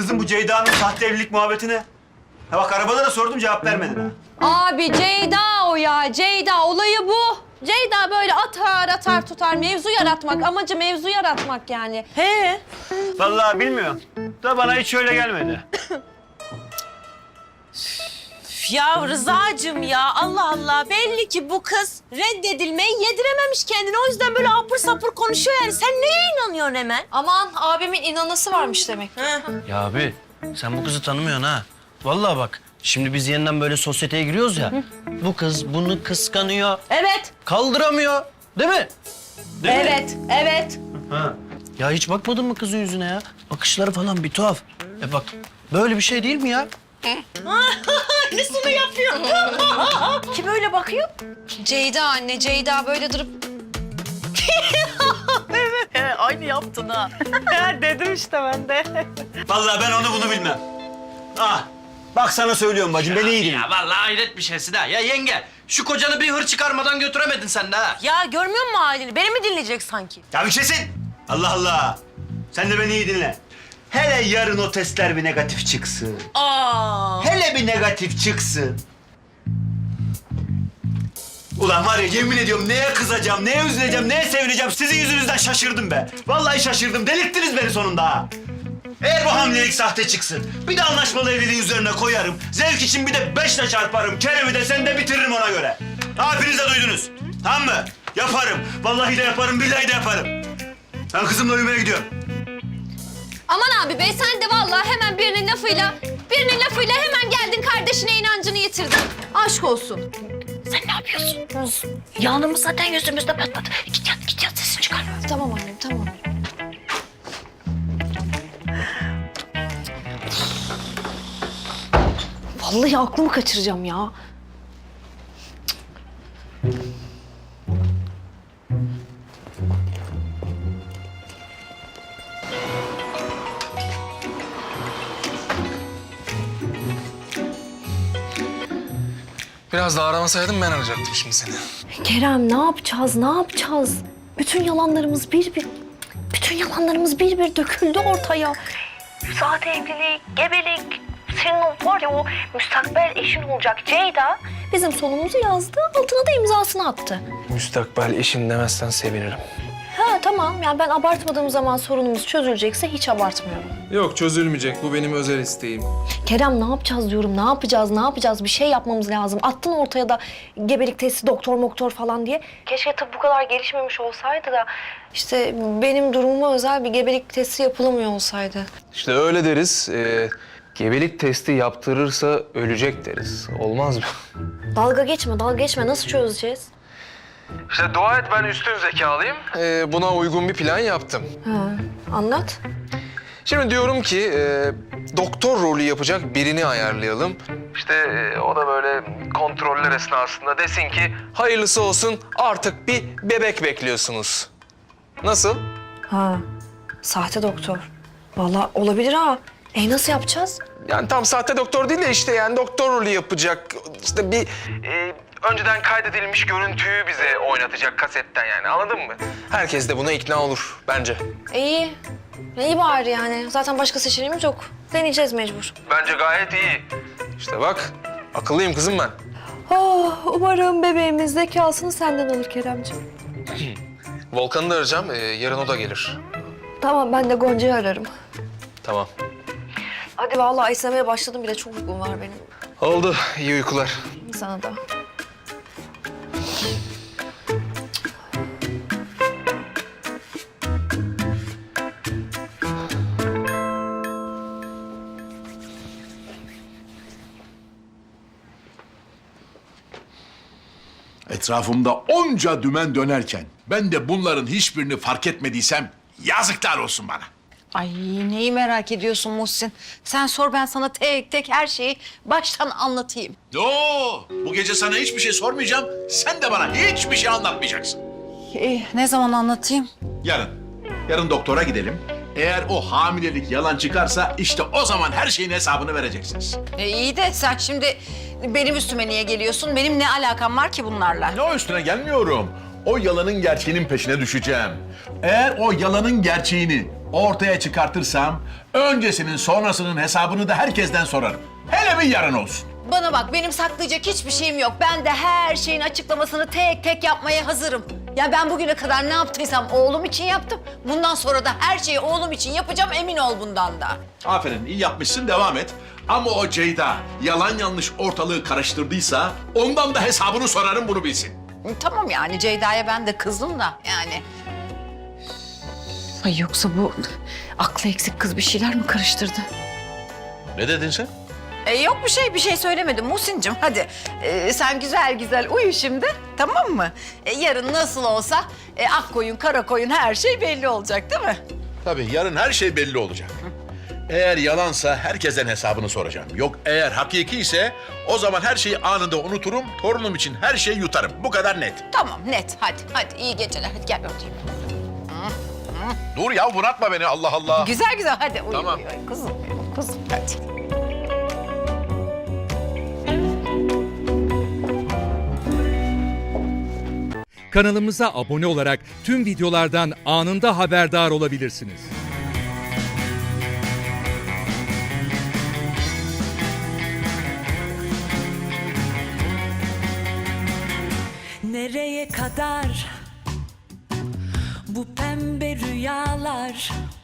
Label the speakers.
Speaker 1: kızım bu Ceyda'nın sahte evlilik muhabbetine? Ha bak arabada da sordum cevap vermedin ha.
Speaker 2: Abi Ceyda o ya. Ceyda olayı bu. Ceyda böyle atar tutar. Mevzu yaratmak. Amacı mevzu yaratmak yani. He.
Speaker 1: Vallahi bilmiyorum. Da bana hiç öyle gelmedi.
Speaker 3: Ya Rıza'cığım ya Allah Allah. Belli ki bu kız reddedilmeyi yedirememiş kendine. O yüzden böyle apır sapır konuşuyor yani. Sen neye inanıyorsun hemen?
Speaker 2: Aman abimin inanası varmış demek.
Speaker 4: Ya abi sen bu kızı tanımıyorsun ha. Vallahi bak şimdi biz yeniden böyle sosyeteye giriyoruz ya. Bu kız bunu kıskanıyor.
Speaker 2: Evet.
Speaker 4: Kaldıramıyor. Değil mi?
Speaker 2: Evet.
Speaker 4: Ha. Ya hiç bakmadın mı kızın yüzüne ya? Bakışları falan bir tuhaf. Bak böyle bir şey değil mi ya?
Speaker 3: Aynısını yapıyor. Kim öyle bakıyor?
Speaker 2: Ceyda anne. Ceyda böyle durup
Speaker 3: Aynı yaptın ha. Dedim işte ben de.
Speaker 1: Vallahi ben onu bunu bilmem. Ah bak sana söylüyorum bacım beni iyi dinle.
Speaker 4: Ya vallahi hayret bir şeysin ha. Ya yenge şu kocanı bir hır çıkarmadan götüremedin sen de ha.
Speaker 3: Ya görmüyor musun halini? Beni mi dinleyecek sanki?
Speaker 1: Ya bir şeysin. Allah Allah. Sen de beni iyi dinle. Hele yarın o testler bir negatif çıksın.
Speaker 3: Aa.
Speaker 1: Hele bir negatif çıksın. Ulan var ya yemin ediyorum neye kızacağım, neye üzüleceğim, neye sevineceğim. Sizin yüzünüzden şaşırdım be. Vallahi şaşırdım. Delirttiniz beni sonunda ha. Eğer bu hamilelik sahte çıksın, bir de anlaşmalı evliliği üzerine koyarım. Zevk için bir de 5'le çarparım. Kerem'i de sen de bitiririm ona göre. Hepiniz de duydunuz. Tamam mı? Yaparım. Vallahi de yaparım, billahi de yaparım. Ben kızımla uyumaya gidiyorum.
Speaker 2: Aman abi be sen de vallahi hemen birinin lafıyla hemen geldin kardeşine inancını yitirdin. Aşk olsun.
Speaker 3: Sen ne yapıyorsun? Yağnımız zaten yüzümüzde patladı. Git yat sesini çıkarma.
Speaker 2: Tamam annem tamam. Vallahi aklımı kaçıracağım ya.
Speaker 5: Biraz daha aramasaydım ben arayacaktım şimdi seni.
Speaker 2: Kerem ne yapacağız? Bütün yalanlarımız bir bir döküldü ortaya.
Speaker 6: Sahte evlilik, gebelik, senin o var ya o müstakbel eşin olacak Ceyda.
Speaker 2: Bizim sonumuzu yazdı, altına da imzasını attı.
Speaker 5: Müstakbel eşim demezsen sevinirim.
Speaker 2: Ha tamam, yani ben abartmadığım zaman sorunumuz çözülecekse hiç abartmıyorum.
Speaker 5: Yok çözülmeyecek. Bu benim özel isteğim.
Speaker 2: Kerem ne yapacağız diyorum, ne yapacağız? Bir şey yapmamız lazım. Attın ortaya da gebelik testi, doktor falan diye.
Speaker 6: Keşke tıp bu kadar gelişmemiş olsaydı da.
Speaker 2: İşte benim durumuma özel bir gebelik testi yapılamıyor olsaydı.
Speaker 5: İşte öyle deriz. Gebelik testi yaptırırsa ölecek deriz. Olmaz mı?
Speaker 2: Dalga geçme. Nasıl çözeceğiz?
Speaker 5: İşte dua et ben üstün zekalıyım. Buna uygun bir plan yaptım.
Speaker 2: Ha, anlat.
Speaker 5: Şimdi diyorum ki doktor rolü yapacak birini ayarlayalım. İşte o da böyle kontroller esnasında desin ki hayırlısı olsun artık bir bebek bekliyorsunuz. Nasıl?
Speaker 2: Ha, sahte doktor. Vallahi olabilir ha. Nasıl yapacağız?
Speaker 5: Yani tam sahte doktor değil de işte yani doktor rolü yapacak. İşte bir önceden kaydedilmiş görüntüyü bize oynatacak kasetten yani anladın mı? Herkes de buna ikna olur bence.
Speaker 2: İyi. İyi bari yani. Zaten başka seçeneğimiz yok. Deneyeceğiz mecbur.
Speaker 5: Bence gayet iyi. İşte bak akıllıyım kızım ben.
Speaker 2: Oh, umarım bebeğimiz zekasını senden alır Keremciğim.
Speaker 5: Volkan'ı da arayacağım. Yarın o da gelir.
Speaker 2: Tamam, ben de Gonca'yı ararım.
Speaker 5: Tamam.
Speaker 2: Hadi vallahi istemeye başladım bile. Çok uykum var benim.
Speaker 5: Oldu. İyi uykular.
Speaker 2: Sana da.
Speaker 7: Etrafımda onca dümen dönerken ben de bunların hiçbirini fark etmediysem yazıklar olsun bana.
Speaker 3: Ay neyi merak ediyorsun Muhsin? Sen sor ben sana tek tek her şeyi baştan anlatayım.
Speaker 7: Yo, bu gece sana hiçbir şey sormayacağım. Sen de bana hiçbir şey anlatmayacaksın.
Speaker 3: Ne zaman anlatayım?
Speaker 7: Yarın. Yarın doktora gidelim. Eğer o hamilelik yalan çıkarsa işte o zaman her şeyin hesabını vereceksiniz.
Speaker 3: İyi de sen şimdi benim üstüme niye geliyorsun? Benim ne alakam var ki bunlarla?
Speaker 7: Ne o üstüne gelmiyorum. O yalanın gerçeğinin peşine düşeceğim. Eğer o yalanın gerçeğini ortaya çıkartırsam öncesinin sonrasının hesabını da herkesten sorarım. Hele bir yarın olsun.
Speaker 8: Bana bak, benim saklayacak hiçbir şeyim yok. Ben de her şeyin açıklamasını tek tek yapmaya hazırım. Ya ben bugüne kadar ne yaptıysam oğlum için yaptım. Bundan sonra da her şeyi oğlum için yapacağım, emin ol bundan da.
Speaker 7: Aferin, iyi yapmışsın, devam et. Ama o Ceyda yalan yanlış ortalığı karıştırdıysa ondan da hesabını sorarım, bunu bilsin.
Speaker 8: Tamam yani, Ceyda'ya ben de kızdım da yani. Ay yoksa bu aklı eksik kız bir şeyler mi karıştırdı?
Speaker 7: Ne dedin sen?
Speaker 8: Yok bir şey söylemedim Muhsin'cim. Hadi sen güzel güzel uyu şimdi, tamam mı? Yarın nasıl olsa ak koyun kara koyun her şey belli olacak değil mi?
Speaker 7: Tabii yarın her şey belli olacak. Eğer yalansa herkesten hesabını soracağım. Yok eğer hakiki ise o zaman her şeyi anında unuturum. Torunum için her şeyi yutarım. Bu kadar net.
Speaker 8: Tamam net, hadi iyi geceler, hadi gel öpeyim.
Speaker 7: Dur ya, bunaltma beni, Allah Allah.
Speaker 8: Güzel güzel hadi uyu,
Speaker 7: Tamam.
Speaker 8: uyu kuzum hadi.
Speaker 9: Kanalımıza abone olarak tüm videolardan anında haberdar olabilirsiniz.
Speaker 10: Nereye kadar bu pembe rüyalar?